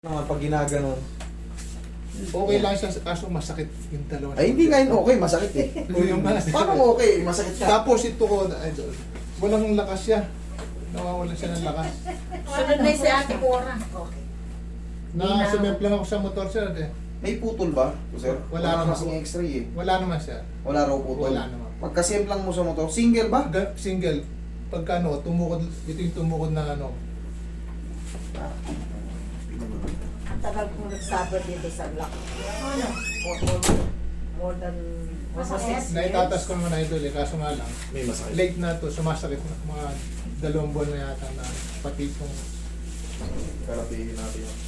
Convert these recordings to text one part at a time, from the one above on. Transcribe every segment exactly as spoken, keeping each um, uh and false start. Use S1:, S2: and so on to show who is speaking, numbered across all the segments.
S1: Naman pag ginaganon.
S2: Okay lang siya, kaso masakit yung dalawa.
S1: Ay, hindi nga yun okay, masakit eh.
S2: O yung masakit.
S1: Paano okay, masakit ka?
S2: Tapos ito ko, idol, walang lakas siya. Nawawala siya ng lakas.
S3: Sunod na yung si Ate Cora. Okay.
S2: Na sumemplang ako sa motor sir. Eh.
S1: May putol ba, sir?
S2: Wala
S1: Wala
S2: naman.
S1: kasing x-ray eh.
S2: Wala naman siya.
S1: Wala raw putol.
S2: Wala naman.
S1: Pagkasimplang mo sa motor, single ba?
S2: Ga- Single. Pagka ano, tumukod, ito yung tumukod na ano.
S3: Ang tagal kong nagsabot dito sa block. Ano? More, more, more than almost six years.
S2: Naitatas ko naman idol eh, kaso nga lang.
S1: May masakit.
S2: Late na to, sumasakit na mga dalawang buwan na yata na pati itong
S1: Karapihin natin yun.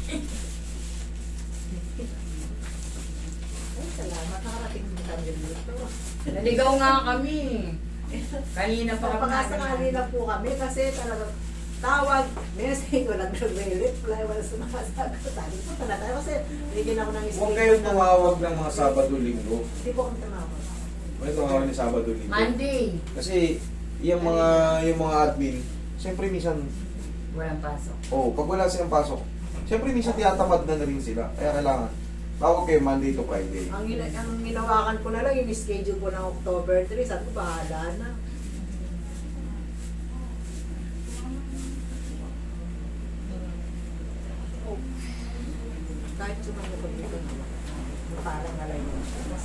S3: Ay, salamat. Nakarating din kami dito.
S4: Naligaw nga kami. Kanina pa kami.
S3: Napakasakali na po kami kasi talagang tawag, message, walang nag-reply, walang sumasagot. Sabi ko talaga kasi bigyan ako ng
S1: Huwag kayong tumawag ng mga Sabado-Linggo.
S3: Hindi po kami tumawag.
S1: Huwag tumawag ni Sabado-Linggo.
S4: Monday.
S1: Kasi yung mga yung mga admin, siyempre minsan,
S4: Walang pasok.
S1: oh, pag wala silang pasok, siyempre minsan tiyatamad na, na rin sila. Kaya kailangan, tawag kayo Monday to Friday.
S3: Ang, gina- ang ginawakan ko na lang yung schedule ko ng October three. Sabi ko, bahala na. Oh. Kahit sumagot dito naman. Parang nalay mo.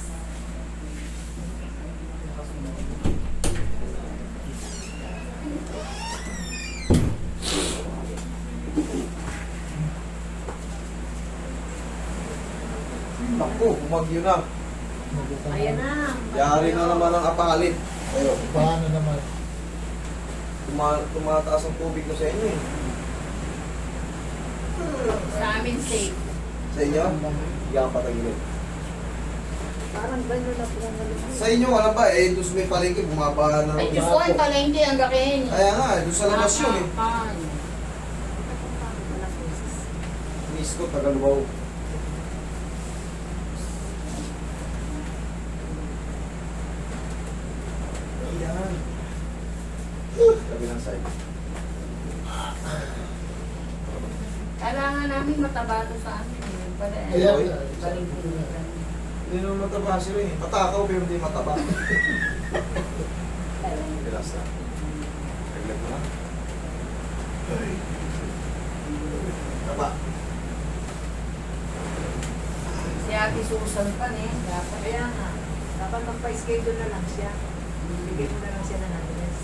S1: Naku, bumagyo na.
S3: Ayan na.
S1: Yari na naman ang apalit. Ayo,
S2: paano naman.
S1: tuma tumataas ang tubig na sa inyo eh.
S4: Sa amin safe.
S1: Sa inyo, hindi ako patagilid.
S3: Parang gano'n na po ang nalunod.
S1: Sa inyo, wala ba eh, doon sa may palengke, bumabaha na
S4: Ay,
S1: ng
S4: Diyos ko, ang palengke ang gakin.
S1: Kaya nga, eh, doon sa labas yun eh.
S4: Nakakapan.
S1: Miss ko, Tagalubaw. Ayan. Kabilang side.
S4: Kailangan namin mataba to sa amin. Yun pala. eh.
S2: Ayan.
S4: Palengke.
S1: Hindi naman mataba sila eh. Matakaw pero hindi mataba. Relax na. Reglet mo na. Taba.
S4: Si Ate Susan pa eh. Dapat.
S3: Kaya nga, dapat magpa-schedule na lang siya. Bigyan mo na lang siya ng address.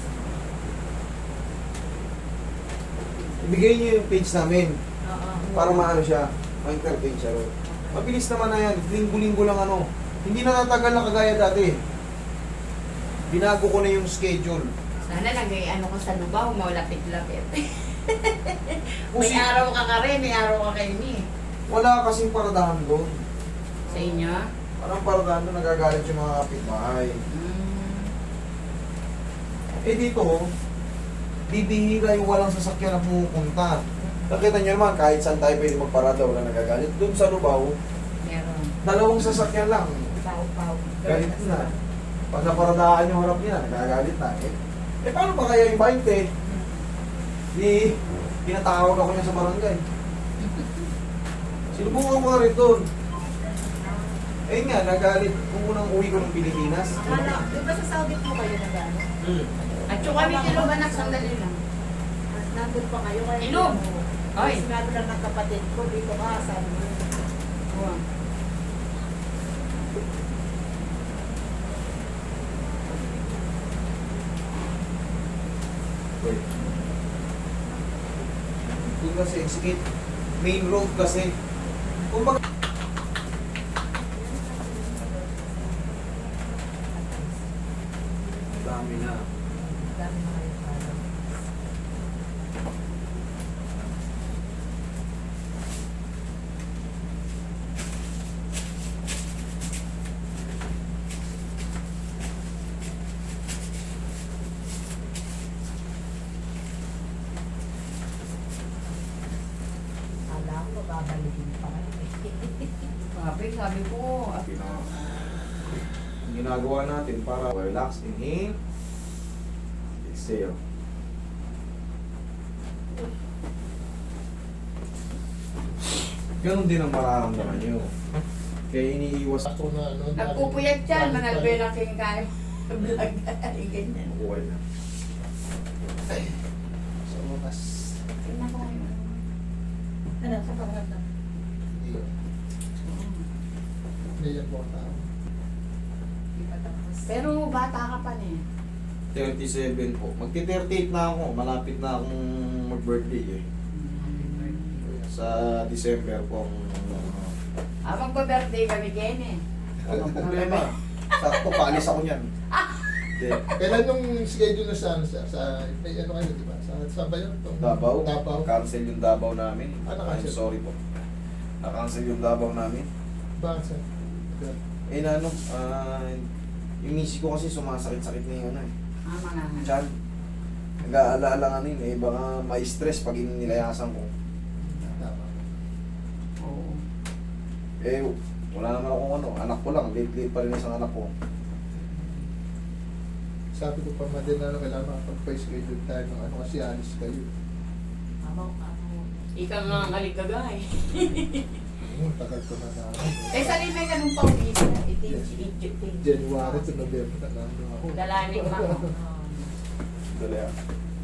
S1: Ibigay niyo yung page namin
S3: Oo.
S1: para maano siya. Ma-entertain siya ron. Mabilis naman na yan. Linggo-linggo lang ano. Hindi na natagal na kagaya dati. Binago ko na yung schedule.
S4: Sana nagay ano ko sa lubaw, maulapit-lapit. may
S1: Kasi
S4: araw ka ka rin, may araw ka kayo ni.
S1: wala kasing paradahan doon.
S4: Sa inyo?
S1: Parang paradahan doon nagagalit yung mga kapitbahay.
S4: Mm.
S1: Eh dito, bibihira yung walang sasakyan na pumupunta. Nakita nyo naman, kahit saan tayo pwede magparada, wala nagagalit. Doon sa Lubao,
S4: Meron.
S1: dalawang sasakyan lang.
S4: Pau-pau.
S1: Galit na. Pag naparadahan yung harap niya, nagagalit na. Eh, eh paano ba kaya yung twenty? Di, pinatawag ako niya sa barangay. Sinubukan ko nga rin doon. Eh nga, nagalit. Kung unang uwi ko ng Pilipinas.
S3: Akala, di ba sa Saudi po kayo na gano'n?
S1: Hmm.
S4: At yung kami tinuban na sandali lang.
S3: Nandun pa kayo kayo.
S4: Inom. Ay.
S3: Sinabi lang ng kapatid ko, dito ka, sabi mo.
S4: Oh.
S1: Wait. Doon kasi, sige, main road kasi. Kung bak- dami na.
S3: Dami na kayo parang. Kala ko, babalikin pa kayo.
S4: Sabi, sabi ko, at
S1: Pina- Ang ginagawa natin para relax, inhale, exhale. Ganon din ang mararamdaman nyo. Kaya iniiwas
S2: Ako na ano.
S4: Nagpupuyat yan,
S2: dami
S4: mga
S2: pa-
S4: belaking kayo. Vlog, ay ganyan.
S1: buhay na.
S2: Sa wakas.
S4: Tingnan ko ngayon.
S3: Ano, sa pangalan?
S2: Iyo. Hindi yan po ang tao.
S3: Hindi pa tapos.
S4: Pero bata ka pa niya.
S1: thirty-seven po. Magti-thirty-eight na ako. Malapit na akong mag-birthday eh. Sa December po ang...
S4: Ah, magpa-birthday kami Ken eh.
S1: Walang problema. Sakto, paalis ako niyan. Hindi.
S2: Kailan yung schedule na sa, sa, sa may ano kayo, di ba? Sa, sa ba yun? Tong-
S1: Davao.
S2: Davao.
S1: Cancel yung Davao namin.
S2: Ah,
S1: I'm
S2: na-cancel.
S1: sorry po. Na-cancel yung Davao namin.
S2: Bakit sa?
S1: Eh na ano, ah, yung misis ko kasi sumasakit-sakit na yung ano eh.
S4: Ah, mga nga.
S1: Chan. Nag-aalaala nga nun eh. Baka may stress pag inilayasan ko.
S2: Tama.
S4: Oo.
S1: Eh, wala naman akong ano. Anak ko lang. Late-late pa rin isang anak ko.
S2: Sabi ko pa man din na ano, kailangan makapag-schedule tayo ng ano kasi alis kayo.
S3: Amaw, amaw.
S4: Ikaw nga ang aligagay.
S2: Hmm, tagal ko na na ano.
S4: Eh, sa limay ka nung pawis na.
S2: Yes.
S4: Iti-iti.
S2: January to November na na ano ako.
S4: Dalaning mga.
S1: Dali ah.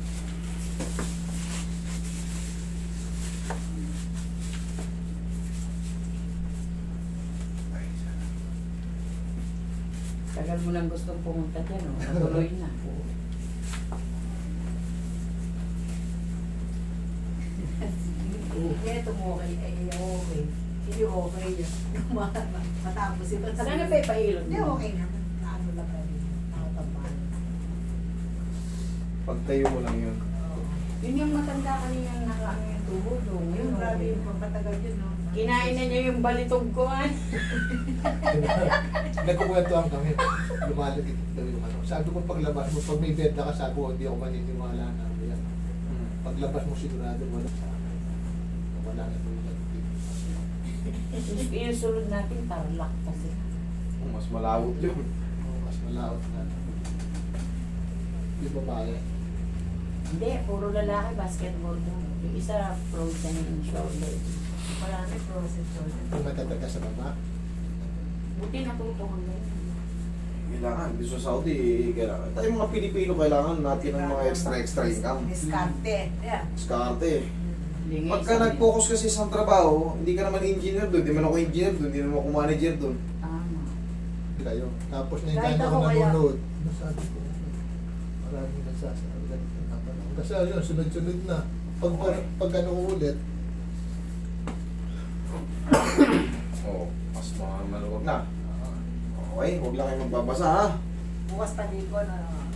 S4: Tagal mo lang gustong pumunta dyan, oh. Natuloy na.
S3: Kaya tumukay, ay okay. Hindi okay yun. Matapos yun.
S4: Sana pa ipahilot
S3: Hindi,
S4: mo.
S3: okay naman. Ano lang kami. Nakatamaan.
S1: Pagtayo mo lang yun.
S4: Yun yung matanda kanina nakaano yung tuhod, oh.
S3: Yung
S4: Ngayon,
S3: grabe
S4: okay.
S3: yung pagpatagal yun, no?
S4: Kinain na niya yung balitog ko, ah.
S2: Nagkukwentuhan kami. Lumalagit daw yung ano. Sabi ko paglabas mo, pag may benta ka, sabi ko, hindi ako maniniwala na. Yan. Paglabas mo sigurado wala sa akin. Wala na ito yung
S4: Yung yung sunod natin, tarlac kasi.
S1: Oh, mas malawot yun.
S2: oh, mas malaot na. Yung babae.
S4: Hindi, puro lalaki, basketball mo. Yung isa, frozen in shoulder.
S3: Wala na process yun.
S2: Kung matatal ka sa baba.
S4: Buti natuto hanggang ngayon.
S1: Kailangan. Dito sa Saudi, kailangan. Tayo mga Pilipino, kailangan natin ng mga extra-extra income.
S3: Diskarte. Yeah.
S1: Diskarte.
S4: Hindi nga
S1: Pagka
S4: isa-
S1: nag-focus kasi sa trabaho, hindi ka naman engineer doon, hindi man ako engineer doon, hindi naman ako manager doon.
S4: Tama.
S2: Kayo. Tapos na yung
S3: Kahit
S2: kanya
S3: ako
S2: ko
S3: kaya-
S2: nanonood. Nasabi ko, maraming nagsasabi ganito na pala. Kasi yun, sunod-sunod na. Pag, pag ano ko ulit,
S1: Oo, oh, mas mga maluwag na.
S2: ah,
S1: Okay, huwag lang kayo magbabasa ha.
S3: Bukas pa din ko na